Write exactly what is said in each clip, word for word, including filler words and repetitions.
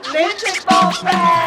ลิ้นติดโปรแฟ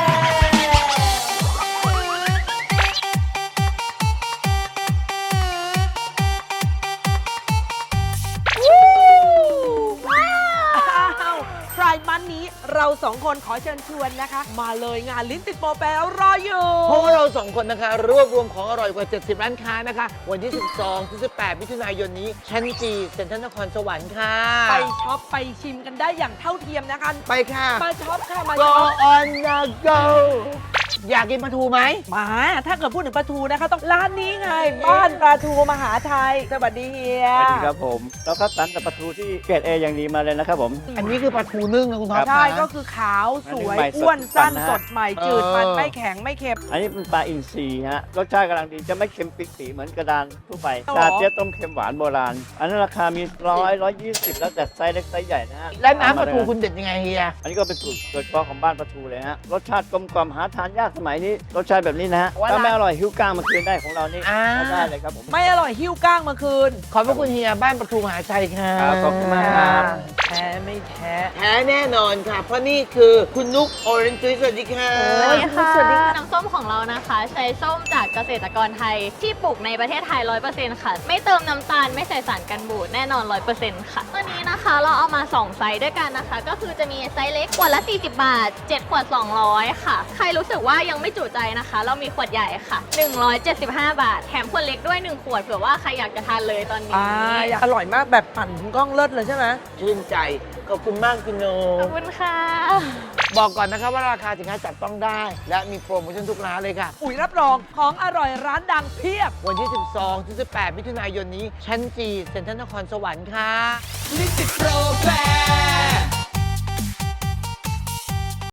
ไพรมันนี้เราสองคนขอเชิญชวนนะคะ มาเลยงานลิ้นติดโปรแฟรออยู่เพราะว่าเราสองคนนะคะรวบรวมของอร่อยกว่าเจ็ดสิบร้านค้านะคะวันที่ สิบสองถึงสิบแปด มิถุนายนนี้ชั้นจีเซ็นทรัลนครสวรรค์ค่ะไปช็อปไปชิมกันได้อย่างเท่าเทียมนะคะไปค่ะมาช็อปค่ะมา go ช็อป on the go อยากกินปลาทูไหมมาถ้าเกิดพูดถึงปลาทูนะคะต้องร้านนี้ไงบ้านปลาทูมหาไทยสวัสดีเฮียสวัสดีครับผมเราคัดสรรแต่ปลาทูที่เกรดเออย่างดีมาเลยนะครับผมอันนี้คือปลาทูนึ่งนะคุณท็อปใช่ก็คือขาวสวยอ้วนสั้นสดใหม่จืดมันไม่แข็งไม่เค็มอันนี้เป็นปลาอินทรีฮะรสชาติกำลังดีจะไม่เค็มปิกสีเหมือนกระดานทั่วไปอ๋อชาเจี๊ยบต้มเค็มหวานโบราณ อันนั้นราคามีร้อยร้อยยี่สิบแล้วแต่ไซส์เล็กไซส์ใหญ่นะฮะและน้ำปลาทูคุณเด็ดยังไงเฮียอันนี้ก็เป็นสูตรโดยเฉพาะของบ้านปลาทูเลยฮะรสชาติกลมกล่อมหาทานยากสมัยนี้รสชาติแบบนี้นะฮะถ้าไม่อร่อยหิ้วก้างมาคืนได้ของเรานี่ได้เลยครับผมไม่อร่อยหิ้วก้างมาคืนขอบพระคุณเฮียบ้านปลาทูมหาชัยค่ะครับขอบคุณมากครับแท้ไม่แท้แท้แน่นอนค่ะ เพราะนี่คือคุณนุกโอเรนจ์สวัสดีค่ะสวัสดีค่ะน้ำส้มของเรานะคะ ใช้ส้มจากเกษตรกรไทย ที่ปลูกในประเทศไทย ร้อยเปอร์เซ็นต์ ค่ะ ไม่เติมน้ำตาลไม่ใส่สารกันบูดแน่นอน ร้อยเปอร์เซ็นต์ ค่ะตัวนี้นะคะเราเอามาสองไซส์ด้วยกันนะคะ ก็คือจะมีไซส์เล็กขวดละสี่สิบบาทเจ็ดขวดสองร้อยค่ะ ใครรู้สึกว่ายังไม่จุใจนะคะ เรามีขวดใหญ่ค่ะหนึ่งร้อยเจ็ดสิบห้าบาทแถมขวดเล็กด้วยหนึ่งขวดเผื่อว่าใครอยากจะทานเลยตอนนี้อ่าอยากอร่อยมากแบบปั่นถึงกล้องเลิศเลยใช่ไหมชื่นใจ ขอบคุณมากคุณโนขอบคุณค่ะบอกก่อนนะคะว่าราคาสินค้าจับต้องได้ และมีโปรโมชั่นทุกร้านเลยค่ะอุ๋ยรับรองของอร่อยร้านดังเพียบวันที่ สิบสองถึงสิบแปด มิถุนายนนี้ชั้นจีเซ็นทรัลนครสวรรค์ค่ะลิ้นติดโปรแฟ